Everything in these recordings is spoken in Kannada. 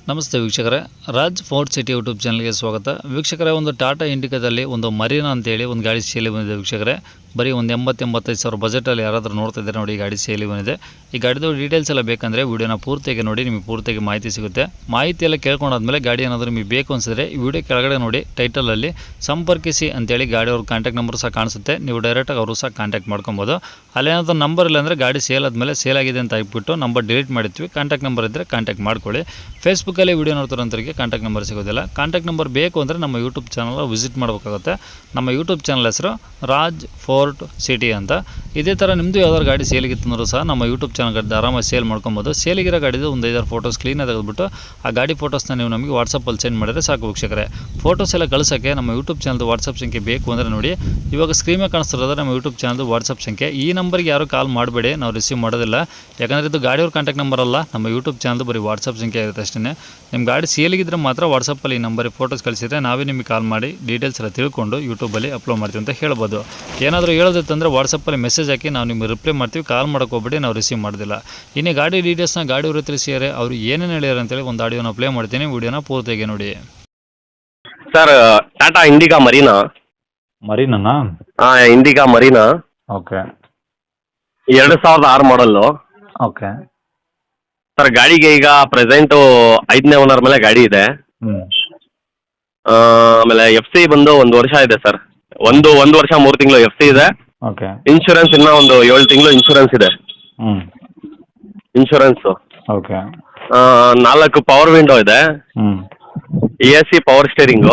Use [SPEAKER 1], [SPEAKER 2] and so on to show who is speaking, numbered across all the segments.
[SPEAKER 1] ನಮಸ್ತೆ ವೀಕ್ಷಕರೇ, ರಾಜ್ ಫೋರ್ಟ್ ಸಿಟಿ ಯೂಟ್ಯೂಬ್ ಚಾನಲ್ಗೆ ಸ್ವಾಗತ. ವೀಕ್ಷಕರೇ, ಒಂದು ಟಾಟಾ ಇಂಡಿಕಾದಲ್ಲಿ ಒಂದು ಮರೀನಾ ಅಂತೇಳಿ ಒಂದು ಗಾಡಿ ಸೇಲಿ ಬಂದಿದೆ ವೀಕ್ಷಕರೇ. ಬರೀ ಒಂದು 80-85 ಸಾವಿರ ಬಜೆಟಲ್ಲಿ ಯಾರಾದರೂ ನೋಡ್ತಾ ಇದ್ದಾರೆ ನೋಡಿ, ಈ ಗಾಡಿ ಸೇಲಿ ಬಂದಿದೆ. ಈ ಗಾಡಿದು ಡೀಟೇಲ್ಸ್ ಎಲ್ಲ ಬೇಕಂದರೆ ವಿಡಿಯೋನ ಪೂರ್ತಿಯಾಗಿ ನೋಡಿ, ನಿಮಗೆ ಪೂರ್ತಿಯಾಗಿ ಮಾಹಿತಿ ಸಿಗುತ್ತೆ. ಮಾಹಿತಿ ಎಲ್ಲ ಕೇಳ್ಕೊಂಡಾದ್ಮೇಲೆ ಗಾಡಿ ಏನಾದರೂ ನಿಮಗೆ ಬೇಕು ಅನಿಸಿದ್ರೆ ಈ ವಿಡಿಯೋ ಕೆಳಗಡೆ ನೋಡಿ, ಟೈಟಲಲ್ಲಿ ಸಂಪರ್ಕಿಸಿ ಅಂತೇಳಿ ಗಾಡಿ ಅವ್ರ ಕಾಂಟ್ಯಾಕ್ಟ್ ನಂಬರ್ ಸಹ ಕಾಣಿಸುತ್ತೆ. ನೀವು ಡೈರೆಕ್ಟಾಗಿ ಅವರು ಸಹ ಕಾಂಟ್ಯಾಕ್ಟ್ ಮಾಡ್ಕೊಬೋದು. ಅಲ್ಲೇನಾದರೂ ನಂಬರ್ ಇಲ್ಲ ಅಂದರೆ ಗಾಡಿ ಸೇಲ್ ಆದಮೇಲೆ ಸೇಲ್ ಆಗಿದೆ ಅಂತ ಹಾಕ್ಬಿಟ್ಟು ನಂಬರ್ ಡಿಲೀಟ್ ಮಾಡಿರ್ತೀವಿ. ಕಾಂಟ್ಯಾಕ್ಟ್ ನಂಬರ್ ಇದ್ದರೆ ಕಾಂಟ್ಯಾಕ್ಟ್ ಮಾಡ್ಕೊಳ್ಳಿ. ಫೇಸ್ಬುಕ್ಕಲ್ಲಿ ವಿಡಿಯೋ ನೋಡ್ತಾರಂತರಿಗೆ ಕಾಂಟ್ಯಾಕ್ಟ್ ನಂಬರ್ ಸಿಗೋದಿಲ್ಲ. ಕಾಂಟ್ಯಾಕ್ಟ್ ನಂಬರ್ ಬೇಕು ಅಂದರೆ ನಮ್ಮ ಯೂಟ್ಯೂಬ್ ಚಾನಲ್ ವಿಸಿಟ್ ಮಾಡಬೇಕಾಗುತ್ತೆ. ನಮ್ಮ ಯೂಟ್ಯೂಬ್ ಚಾನಲ್ ಹೆಸರು ರಾಜ್ ಫೋರ್ಟ್ ಸಿಟಿ ಅಂತ. ಇದೇ ಥರ ನಿಮ್ಮದು ಯಾವ್ದಾದ್ರು ಗಾಡಿ ಸೇಲಿಗಿತ್ತಂದ್ರೂ ಸಹ ನಮ್ಮ ಯೂಟ್ಯೂಬ್ ಚಾನಲ್ ಆರಾಮಾಗಿ ಸೇಲ್ ಮಾಡ್ಕೊಬೋದು. ಸೇಲಿಗಿರೋ ಗಾಡಿದು ಒಂದು 5-6 ಫೋಟೋಸ್ ಕ್ಲೀನಾಗಿ ತೆಗೆದುಬಿಟ್ಟು ಆ ಗಾಡಿ ಫೋಟೋಸ್ನ ನೀವು ನಮಗೆ ವಾಟ್ಸಪ್ಪಲ್ಲಿ ಸೆಂಡ್ ಮಾಡಿದ್ರೆ ಸಾಕು ವೀಕ್ಷಕರೇ. ಫೋಟೋಸ್ ಎಲ್ಲ ಕಳಿಸೋಕ್ಕೆ ನಮ್ಮ ಯೂಟ್ಯೂಬ್ ಚಾನಲ್ದು ವಾಟ್ಸಪ್ ಸಂಖ್ಯೆ ಬೇಕು ಅಂದರೆ ನೋಡಿ, ಇವಾಗ ಸ್ಕ್ರೀನ್ ಮೇಲೆ ಕಾಣಿಸ್ತಿರೋದು ನಮ್ಮ ಯೂಟ್ಯೂಬ್ ಚಾನಲ್ದು ವಾಟ್ಸಪ್ ಸಂಖ್ಯೆ. ಈ ನಂಬರ್ಗೆ ಯಾರು ಕಾಲ್ ಮಾಡಬೇಡಿ, ನಾವು ರಿಸೀವ್ ಮಾಡೋದಿಲ್ಲ. ಯಾಕಂದರೆ ಇದು ಗಾಡಿಯವ್ರ ಕಾಂಟ್ಯಾಕ್ಟ್ ನಂಬರ್ ಅಲ್ಲ, ನಮ್ಮ ಯೂಟ್ಯೂಬ್ ಚಾನಲ್ದು ಬರೀ ವಾಟ್ಸಪ್ ಸಂಖ್ಯೆ ಇರುತ್ತೆ ಅಷ್ಟೇ. ನಿಮ್ಮ ಗಾಡಿ ಸೇಲಿಗಿದ್ರೆ ಮಾತ್ರ ವಾಟ್ಸಪ್ಪಲ್ಲಿ ಈ ನಂಬರಿಗೆ ಫೋಟೋಸ್ ಕಳಿಸಿದರೆ ನಾವೇ ನಿಮಗೆ ಕಾಲ್ ಮಾಡಿ ಡೀಟೇಲ್ಸ್ ಎಲ್ಲ ತಿಳ್ಕೊಂಡು ಯೂಟ್ಯೂಬಲ್ಲಿ ಅಪ್ಲೋಡ್ ಮಾಡ್ತೀವಿ ಅಂತ ಹೇಳ್ಬೋದು. ಏನಾದರೂ ಹೇಳೋದಿತ್ತಂದರೆ ವಾಟ್ಸಪ್ಪಲ್ಲಿ ಮೆಸೇಜ್ ಹಾಕಿ ನಾವು ನಿಮಗೆ ರಿಪ್ಲೈ ಮಾಡ್ತೀವಿ. ಕಾಲ್ ಮಾಡೋಕೆ ಹೋಗ್ಬೇಡಿ, ನಾವು ರಿಸೀವ್ ಮಾಡೋದಿಲ್ಲ. ಇನ್ನು ಗಾಡಿ ಡೀಟೇಲ್ಸ್ನ ಗಾಡಿಯವರು ತಿಳಿಸಿದರೆ ಅವರು ಏನೇನು ಹೇಳ್ಯಾರ ಅಂತೇಳಿ ಒಂದು ಆಡಿಯೋನ ಪ್ಲೇ ಮಾಡ್ತೀನಿ, ವಿಡಿಯೋನ ಪೂರ್ತಿಯಾಗಿ ನೋಡಿ.
[SPEAKER 2] Sir, Tata Indica Marina.
[SPEAKER 1] Marina?
[SPEAKER 2] ಹಾಂ, Indica Marina.
[SPEAKER 1] Okay.
[SPEAKER 2] 2006 model.
[SPEAKER 1] Okay
[SPEAKER 2] sir, ಗಾಡಿಗೆ ಈಗ ಪ್ರೆಸೆಂಟು 5ನೇ ಓನರ್ ಮೇಲೆ ಗಾಡಿ ಇದೆ. ಆಮೇಲೆ ಎಫ್ ಸಿ ಬಂದು 1 ವರ್ಷ ಇದೆ ಸರ್. ಒಂದು ವರ್ಷ 3 ತಿಂಗಳು ಎಫ್ ಸಿ ಇದೆ.
[SPEAKER 1] ಓಕೆ.
[SPEAKER 2] ಇನ್ಶೂರೆನ್ಸ್ ಇನ್ನೂ ಒಂದು 7 ತಿಂಗಳು ಇನ್ಶೂರೆನ್ಸ್ ಇದೆ. ಇನ್ಶೂರೆನ್ಸು.
[SPEAKER 1] ಓಕೆ.
[SPEAKER 2] 4 ಪವರ್ ವಿಂಡೋ ಇದೆ. AC power steering.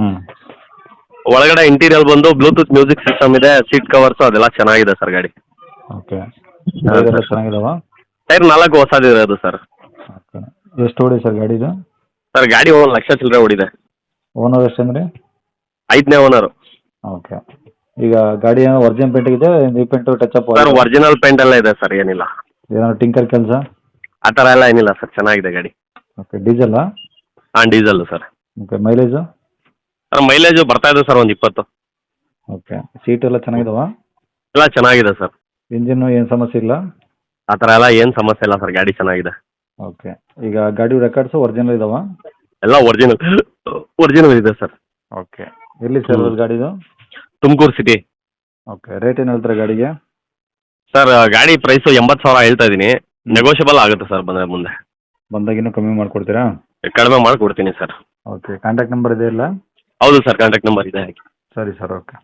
[SPEAKER 2] ಒಳಗಡೆ ಇಂಟೀರಿಯರ್ ಬಂದು ಬ್ಲೂಟೂತ್ ಮ್ಯೂಸಿಕ್ ಸಿಸ್ಟಮ್ ಇದೆ. ಸೀಟ್ ಕವರ್ಸು ಅದೆಲ್ಲ ಚೆನ್ನಾಗಿದೆ ಸರ್ ಗಾಡಿ.
[SPEAKER 1] ಓಕೆ. ಚೆನ್ನಾಗಿದಾವ?
[SPEAKER 2] ಟೈರ್ 4 ಹೊಸದಿರೋದು ಸರ್.
[SPEAKER 1] ಓಕೆ. ಎಷ್ಟು ಓಡಿ ಸರ್ ಗಾಡಿದು?
[SPEAKER 2] ಸರ್, ಗಾಡಿ 1 ಲಕ್ಷ ಚಿಲ್ಲರೆ ಓಡಿದೆ.
[SPEAKER 1] ಓನರ್ ಎಷ್ಟಂದ್ರಿ?
[SPEAKER 2] 5ನೇ ಓನರು.
[SPEAKER 1] ಓಕೆ. ಈಗ ಗಾಡಿ ಏನೋ ಒರಿಜಿನಲ್ ಪೇಂಟ್ ಇದೆ, repaint touch up?
[SPEAKER 2] Sir, original paint ಎಲ್ಲ ಇದೆ ಸರ್, ಏನಿಲ್ಲ.
[SPEAKER 1] ಏನಾದ್ರು ಟಿಂಕರ್ ಕೆಲಸ
[SPEAKER 2] ಆ ಥರ ಎಲ್ಲ ಏನಿಲ್ಲ ಸರ್, ಚೆನ್ನಾಗಿದೆ ಗಾಡಿ.
[SPEAKER 1] ಓಕೆ. ಡೀಸೆಲ್ಲಾ?
[SPEAKER 2] ಹಾಂ, diesel sir.
[SPEAKER 1] Okay. Mileage?
[SPEAKER 2] Sir, mileage ಬರ್ತಾ ಇದೆ ಸರ್, ಒಂದು 20.
[SPEAKER 1] ಓಕೆ. ಸೀಟ್ ಎಲ್ಲ ಚೆನ್ನಾಗಿದಾವ?
[SPEAKER 2] ಎಲ್ಲ ಚೆನ್ನಾಗಿದೆ ಸರ್.
[SPEAKER 1] ಇಂಜಿನ್ನು ಏನು ಸಮಸ್ಯೆ ಇಲ್ಲ?
[SPEAKER 2] ಆ ಥರ ಎಲ್ಲ ಏನು ಸಮಸ್ಯೆ ಇಲ್ಲ ಸರ್, ಗಾಡಿ ಚೆನ್ನಾಗಿದೆ.
[SPEAKER 1] ಓಕೆ. ಈಗ ಗಾಡಿ ರೆಕಾರ್ಡ್ಸು ಒರಿಜಿನಲ್ ಇದಾವ?
[SPEAKER 2] ಎಲ್ಲ ಒರಿಜಿನಲ್ ಇದೆ ಸರ್.
[SPEAKER 1] ಓಕೆ. ಎಲ್ಲಿ ಸರ್ ಗಾಡಿದು?
[SPEAKER 2] ತುಮಕೂರು ಸಿಟಿ.
[SPEAKER 1] ಓಕೆ. ರೇಟ್ ಏನು ಹೇಳ್ತಾರೆ ಗಾಡಿಗೆ?
[SPEAKER 2] ಸರ್, ಗಾಡಿ ಪ್ರೈಸು 80,000 ಹೇಳ್ತಾ ಇದ್ದೀನಿ. ನೆಗೋಷಿಯಬಲ್ ಆಗುತ್ತೆ ಸರ್, ಬಂದರೆ ಮುಂದೆ
[SPEAKER 1] ಬಂದಾಗ ಇನ್ನೂ ಕಮ್ಮಿ ಮಾಡಿಕೊಡ್ತೀರಾ?
[SPEAKER 2] ಕಡಿಮೆ ಮಾಡಿಕೊಡ್ತೀನಿ ಸರ್.
[SPEAKER 1] ಓಕೆ. ಕಾಂಟ್ಯಾಕ್ಟ್ ನಂಬರ್ ಇದೆ ಇಲ್ಲ?
[SPEAKER 2] ಹೌದು ಸರ್, ಕಾಂಟ್ಯಾಕ್ಟ್ ನಂಬರ್ ಇದೆ.
[SPEAKER 1] ಸರಿ ಸರ್. ಓಕೆ.